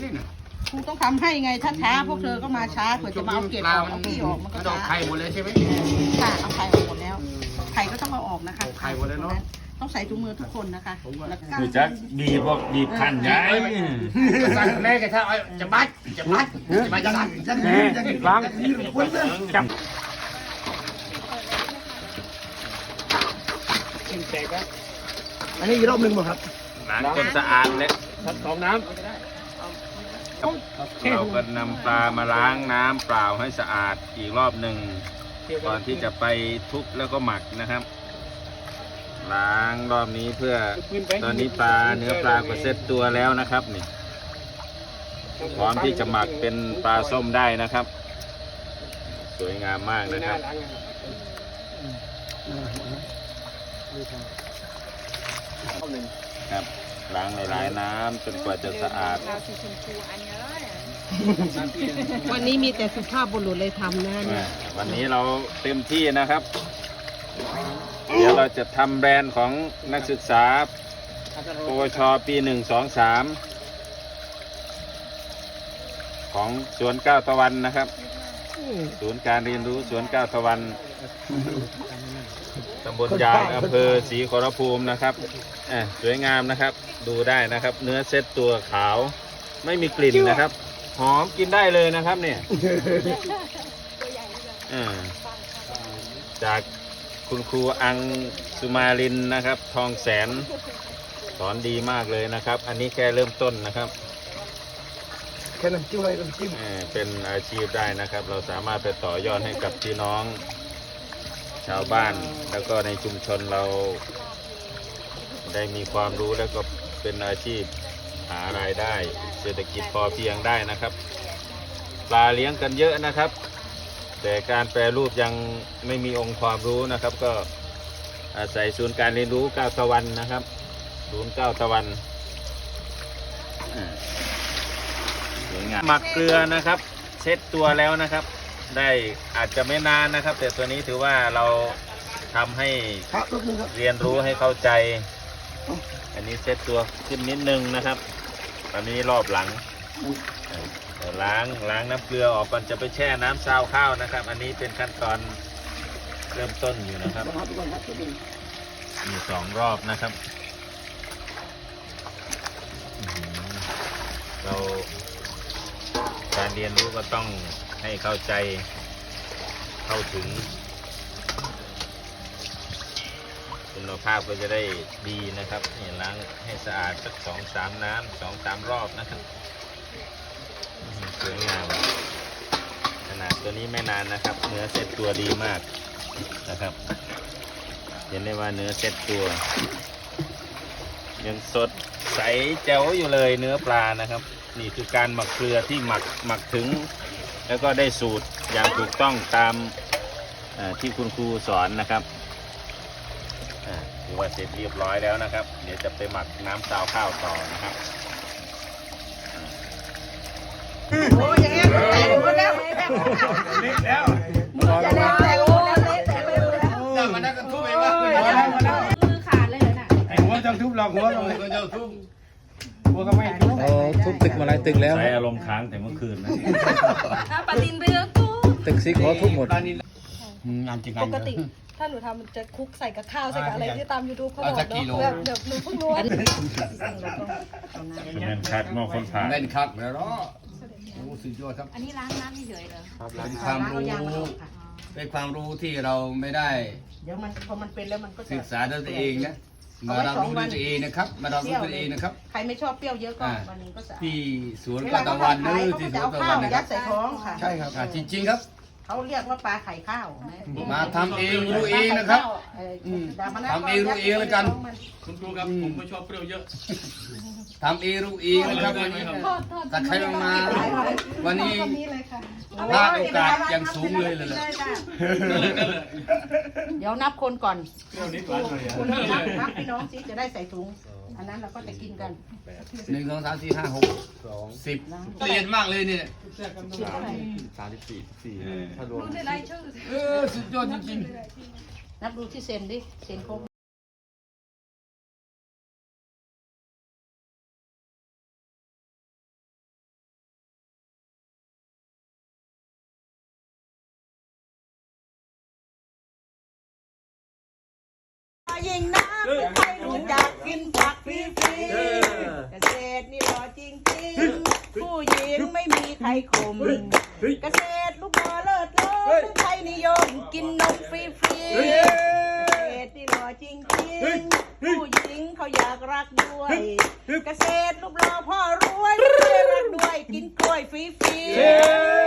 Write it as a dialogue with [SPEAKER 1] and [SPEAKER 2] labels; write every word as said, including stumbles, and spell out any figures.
[SPEAKER 1] ครูต้องทำให้ไงถ้าช้าพวกเธอก็มาช้าเผื่อจะมาเอาเก็บออกเอาขี้ออกมันก็ช้า
[SPEAKER 2] ไข่หมดเลยใช่ไหม
[SPEAKER 1] ค่ะเอาไข่ออกหมดแล้วไข่ก็ต้องเอาออกนะคะ
[SPEAKER 2] ไข่หมดแล้วเนาะ
[SPEAKER 1] ต้องใส่ถุงมือทุกคนนะคะ
[SPEAKER 3] คือจะดีพวกดีพันย้าย
[SPEAKER 2] สั่งแม่แกถ้าจะบัดจะบัดจะบัดจะบัดจะแม่ล้างจับกินแตกแล้วอันนี้อีกรอบหนึ่งมั้งครับ
[SPEAKER 3] ล้างจนสะอาดเลย
[SPEAKER 2] สองน้ำ
[SPEAKER 3] เราก็นำปลามาล้างน้ำเปล่าให้สะอาดอีกรอบหนึ่งก่อนที่จะไปทุบแล้วก็หมักนะครับล้างรอบนี้เพื่อตอนนี้ปลาเนื้อปลาก็เซ็ตตัวแล้วนะครับนี่พร้อมที่จะหมักเป็นปลาส้มได้นะครับสวยงามมากนะครับครับล้างหลายๆน้ำจนกว่าจะสะอาด
[SPEAKER 1] วันนี้มีแต่สุภาพบุรุษเลยทำนะเนี่ย
[SPEAKER 3] วันนี้เราเต็มที่นะครับเดี๋ยวเราจะทำแบรนด์ของนักศึกษาปวชปีหนึ่งสองสามของสวนเก้าตะวันนะครับศูนย์การเรียนรู้สวนเก้าตะวันตำบลยางอำเภอศรีขอรภูมินะครับสวยงามนะครับดูได้นะครับเนื้อเซ็ตตัวขาวไม่มีกลิ่นนะครับหอมกินได้เลยนะครับเนี่ยจากคุณครูอังสุมาลินนะครับทองแสนสอนดีมากเลยนะครับอันนี้แค่เริ่มต้นนะครับ
[SPEAKER 2] แค่น้ำจิ้มอะไรน้ำจิ้ม
[SPEAKER 3] เป็นอาชีพได้นะครับเราสามารถไปต่อยอดให้กับพี่น้องชาวบ้านแล้วก็ในชุมชนเราได้มีความรู้แล้วก็เป็นอาชีพหารายได้เศรษฐกิจพอเพียงได้นะครับปลาเลี้ยงกันเยอะนะครับแต่การแปรรูปยังไม่มีองค์ความรู้นะครับก็อาศัยศูนย์การเรียนรู้เก้าตะวันนะครับศูนย์เก้าตะวันสวยงามหมักเกลือนะครับเช็ดตัวแล้วนะครับได้อาจจะไม่นานนะครับแต่ตัวนี้ถือว่าเราทำให้เรียนรู้ให้เข้าใจอันนี้เช็ดตัวขึ้นนิดนึงนะครับตอนนี้รอบหลังล้างล้างน้ำเกลือออกก่อนจะไปแช่น้ำซาวข้าวนะครับอันนี้เป็นขั้นตอนเริ่มต้นอยู่นะครับมีสองรอบนะครับเราการเรียนรู้ก็ต้องให้เข้าใจเข้าถึงคุณภาพก็จะได้ดีนะครับนี่ล้างให้สะอาดสักสองสามน้ำสองสามรอบนะครับสวยงามขนาดตัวนี้ไม่นานนะครับเนื้อเซ็ตตัวดีมากนะครับเห็นได้ว่าเนื้อเซ็ตตัวยังสดใสแจ๋วอยู่เลยเนื้อปลานะครับนี่คือการหมักเกลือที่หมักหมักถึงแล้วก็ได้สูตรอย่างถูกต้องตามที่คุณครูสอนนะครับถือว่าเสร็จเรียบร้อยแล้วนะครับเดี๋ยวจะไปหมักน้ำซาวข้าวต่อนะครับ
[SPEAKER 1] โอ้ยอย่างเงี้ยแตกหมดแล้วเละแล้วมือจะเละแตกหมดแล้วเละแตกไปหมดแล้ว
[SPEAKER 2] เดินมานั่งกันทุบเองว่า
[SPEAKER 1] มือขาดเลยน่ะ
[SPEAKER 2] ไอ้หัวจังทุบหลอกหัวเราเลยก็จะทุบหัวก็ไม่ทุบ
[SPEAKER 4] ทุบตึกมาหลายตึกแล้ว
[SPEAKER 3] ใช้อารมณ์ค้างแต่เมื่อคืนนะ
[SPEAKER 1] ปาตินไปแล้วทุบ
[SPEAKER 4] ตึกซิกเขาทุบหมด
[SPEAKER 2] งานจริง
[SPEAKER 5] ปกติถ้าหนูทำมันจะคลุกใส่กับข้าวใส่กับอะไรที่ตามยูทูบเขาบอกเนาะแบบเดี๋ยวหนูเพิ่งรู้
[SPEAKER 3] เงินคัดมอคนผ่าน
[SPEAKER 2] เล่นคักแล้วเนาะโอ้สุดยอดครับ
[SPEAKER 1] อันนี้ล้างน้ำเฉยๆเลย
[SPEAKER 2] เป็นความรู้เป็นความรู้ที่เราไม่ได้
[SPEAKER 1] เดี๋ยวมันพอมันเป็นแล้วมันก็
[SPEAKER 2] ศึกษาด้วยตัวเองนะมาเรารู้ด้วยตัวเองนะครับมาเรารู้ตัวเองนะครับ
[SPEAKER 1] ใครไม่ชอบเปรี้ยวเยอะก็วันนี้ก็จะ
[SPEAKER 2] ที่สวนกตะวันนี่ที่สวนกตะวัน
[SPEAKER 1] ยัดใส่ท้องค่ะ
[SPEAKER 2] ใช่ครับจริงๆครับ
[SPEAKER 1] เขาเรียกว่าปลาไข่ข้าว
[SPEAKER 2] มาทำเองรู้เองนะครับทำเองรู้เองแล้วกัน
[SPEAKER 6] คุณครูครับผมไม่ชอบเปรี้ยวเยอะ
[SPEAKER 2] ทำเองรู้เองนะครับวันนี้ถ้าใครมาวันนี้พลาดโอกาสอย่างสูงเลยเลย
[SPEAKER 1] เดี๋ยวนับคนก่อนคุณนับนับพี่น้องสิจะได้ใส่ถุงอันนั้นเราก็จะกินกัน
[SPEAKER 2] หนึ่งสองสามสี่ห้าหกสิบเรียนมากเลยเนี่ย
[SPEAKER 4] สามสิบสี่สี่ถ้ารวม
[SPEAKER 2] เออสุดยอดจริง
[SPEAKER 1] ๆนับดูที่เซนดิเซนครบยิ่งนะใครรู้จักกินผักฟรีๆเกษตรนี่หล่อจริงๆผู้หญิงไม่มีใครข่มเกษตรลูกหล่อเลิศล้นใครนิยมกินนมฟรีๆเกษตรนี่หล่อจริงๆผู้หญิงเขาอยากรักด้วยเกษตรลูกหล่อพ่อรวยใครรักด้วยกินกล้วยฟรีๆ